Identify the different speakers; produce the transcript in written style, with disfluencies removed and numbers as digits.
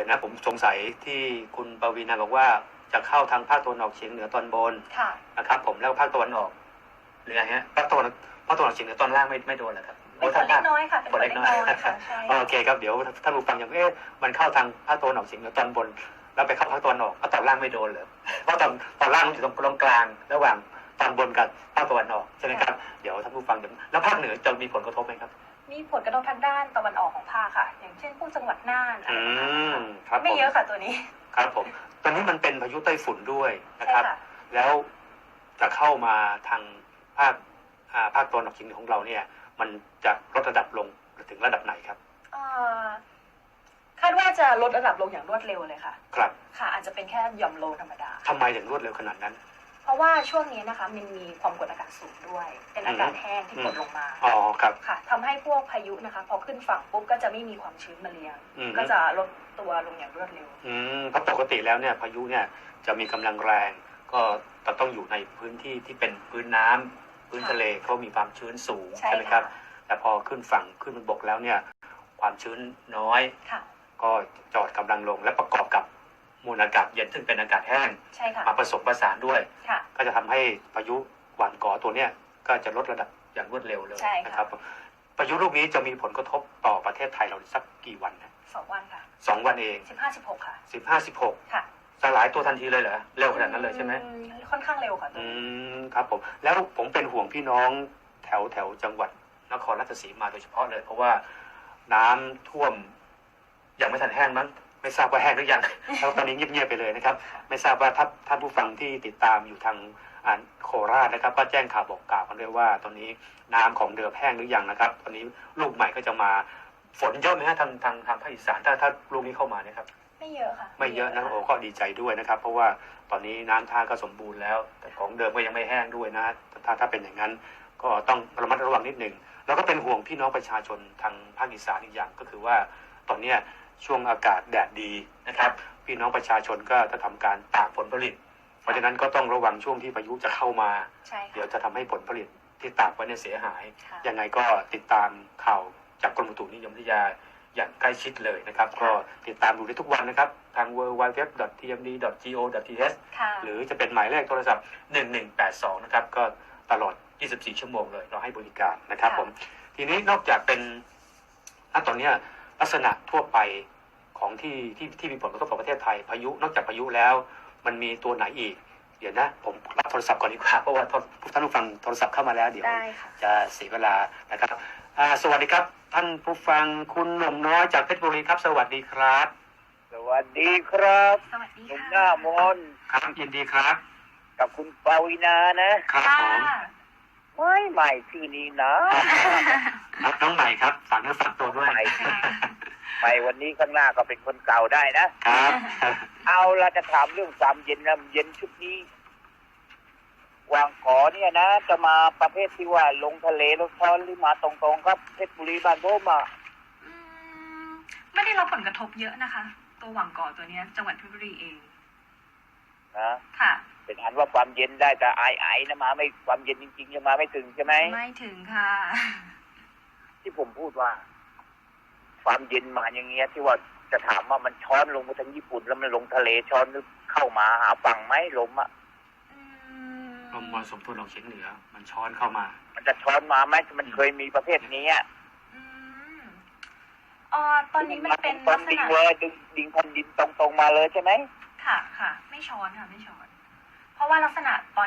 Speaker 1: อย่างนั้นผมสงสัยที่คุณปวีณาบอกว่าจะเข้าทางภาคตะวันออกเฉียงเหนือตอนบนนะครับผมแล้วภาคตะวันออกหรือไงฮะภาคตะวันออกเฉียงเหนือตอนล่างไม่โดนเหรอครับ
Speaker 2: เป็นฝนเล็กน้อยค่ะเป็นฝนเล็กน้อยค่ะใช่
Speaker 1: โอเคครับเดี๋ยวท่านผู้ฟังอย่างมันเข้าทางภาคตะวันออกเฉียงเหนือตอนบนแล้วไปเข้าภาคตะวันออกตอนล่างไม่โดนเหรอเพราะตอนล่างอยู่ตรงกลางระหว่างตอนบนกับภาคตะวันออกใช่ไหมครับเดี๋ยวท่านผู้ฟังแล้วภาคเหนือจะมีผลกระทบไหมครับ
Speaker 2: มีผลกระทบทางด้านตะวันออกของภาคค่ะอย่างเช่นพวกจังหวัดน่านอะไรแบบนี้
Speaker 1: ครับ
Speaker 2: ไม่เยอะค่ะตัวนี้
Speaker 1: ครับผมตอนนี้มันเป็นพายุไต้ฝุ่นด้วยนะครับแล้วจะเข้ามาทางภาคตะวันออกเฉียงเหนือของเราเนี่ยมันจะลดระดับลงถึงระดับไหนครับ
Speaker 2: คาดว่าจะลดระดับลงอย่างรวดเร็วเลยค่ะ
Speaker 1: ครับ
Speaker 2: ค่ะอาจจะเป็นแค่หย่อมโลธรรมดา
Speaker 1: ทำไมถึงรวดเร็วขนาดนั้น
Speaker 2: เพราะว่าช่วงนี้นะคะมันมีความกดอากาศสูงด้วยเป็นอากาศแห้งที่กดลงมา
Speaker 1: อ๋อครับ
Speaker 2: ค่ะทำให้พวกพายุนะคะพอขึ้นฝั่งปุ๊บก็จะไม่มีความชื้นมาเลี้ยงก็จะลดตัวลงอย่างรวดเร็ว
Speaker 1: เพราะปกติแล้วเนี่ยพายุเนี่ยจะมีกำลังแรงก็ต้องอยู่ในพื้นที่ที่เป็นพื้นน้ำพื้นทะเลเขามีความชื้นสูงใช่ไหมครับแต่พอขึ้นฝั่งขึ้นบนบกแล้วเนี่ยความชื้นน้อยก็จอดกำลังลงและประกอบกับมวลอากาศเย็นซึ่งเป็นอากาศแห้งมาผสมผสานด้วยก็จะทำให้พายุหว่านก่อตัวเนี้ยก็จะลดระดับอย่างรวดเร็วเลยนะครับพายุลูกนี้จะมีผลกระทบต่อประเทศไทยเราสักกี่วันนะ
Speaker 2: 2 วันค่ะ
Speaker 1: 2 วันเอง
Speaker 2: 15-16ค่ะ
Speaker 1: 15-16ค่ะสลายตัวทันทีเลยเหรอเร็วขนาดนั้นเลยใช่ไหม
Speaker 2: ค่อนข้างเร็วค่ะ
Speaker 1: ครับผมแล้วผมเป็นห่วงพี่น้องแถวจังหวัดนครราชสีมาโดยเฉพาะเลยเพราะว่าน้ำท่วมยังไม่ทันแห้งมั้งไม่ทราบว่าแห้งหรือยังแล้วตอนนี้เงียบๆไปเลยนะครับไม่ทราบว่าท่านผู้ฟังที่ติดตามอยู่ทางโคราชนะครับก็แจ้งข่าวบอกกล่าวกันด้วยว่าตอนนี้น้ำของเดิมแห้งหรือยังนะครับตอนนี้ลูกใหม่ก็จะมาฝนเยอะไหมฮะทางภาคอีสานถ้าลูกนี้เข้ามาเนี่ยครับ
Speaker 2: ไม่เยอะค่ะ
Speaker 1: ไม่เยอะนะโอ้ก็ดีใจด้วยนะครับเพราะว่าตอนนี้น้ำท่าก็สมบูรณ์แล้วแต่ของเดิมก็ยังไม่แห้งด้วยนะถ้าเป็นอย่างนั้นก็ต้องระมัดระวังนิดนึงแล้วก็เป็นห่วงพี่น้องประชาชนทางภาคอีสานอีกอย่างก็คือว่าตอนนี้ช่วงอากาศแดดดีนะครับพี่น้องประชาชนก็จะทำการตากผลผลิตเพราะฉะนั้นก็ต้องระวังช่วงที่พายุจะเข้ามาเดี๋ยวจะทำให้ผลผลิตที่ตากไว้เนี่ยเสียหายยังไงก็ติดตามข่าวจากกรมอุตุนิยมวิทยาอย่างใกล้ชิดเลยนะครับก็ติดตามดูได้ทุกวันนะครับทาง www.tmd.go.th หรือจะเป็นหมายเลขโทรศัพท์1182นะครับก็ตลอด24 ชั่วโมงเลยเราให้บริการนะครับผมทีนี้นอกจากเป็นตอนนี้ลักษณะทั่วไปของที่มีผลกระทบต่อประเทศไทยพายุนอกจากพายุแล้วมันมีตัวไหนอีกเดี๋ยวนะผมรับโทรศัพท์ก่อนดีกว่าเพราะว่าท่านผู้ฟังโทรศัพท์เข้ามาแล้วเดี๋ยวจะเสียเวลานะครับสวัสดีครับท่านผู้ฟังคุณหนุ่มน้อยจากเพชรบุรีครับสวัสดีครับ
Speaker 3: สวัสดีครับ
Speaker 2: สวัสดี
Speaker 3: หนุ่มหน้ามน
Speaker 1: ครับยินดีครับ
Speaker 3: กับคุณปาวินานะครับ
Speaker 1: ผม
Speaker 3: ใหม่ชื่อนี้นะ
Speaker 1: น้องใหม่ครับฝากเนื้อฝากตัวด้วย
Speaker 3: ใหม่วันนี้ข้างหน้าก็เป็นคนเก่าได้
Speaker 1: นะครับ
Speaker 3: เอาเราจะถามเรื่องความเย็นนะเย็นชุดนี้วางขอเนี่ยนะจะมาประเภทที่ว่าลงทะเลลงทอนหรือมาตรงๆครับเพชรบุรีบ้านผม
Speaker 2: ไม่ได้รับผลกระทบเยอะนะคะตัวหวังก่อตัวนี้จังหวัดเพชรบุรีเอง
Speaker 3: นะ
Speaker 2: ค่ะ
Speaker 3: เป็นอันว่าความเย็นได้แต่ไอนะมาไม่ความเย็นจริงๆจะมาไม่ถึงใช่ไหม
Speaker 2: ไม่ถึงค่ะ
Speaker 3: ที่ผมพูดว่าความเย็นมาอย่างเงี้ยที่ว่าจะถามว่ามันช้อนลงมาทางญี่ปุ่นแล้วมันลงทะเลช้อนเข้ามาหาฝั่งไหมลม
Speaker 1: มรสุมตะวันออกเฉียงเหนือมันช้อนเข้ามา
Speaker 3: มันจะช้อนมาไหมมันเคยมีประเภทนี้
Speaker 2: ตอนนี้มันเป็นลักษณะ
Speaker 3: ดิ่งแผ่นดินตรงๆมาเลยใช่ไหม
Speaker 2: ค่ะไม่ช้อนค่ะไม่ช้อนเพราะว่าลักษณะตอน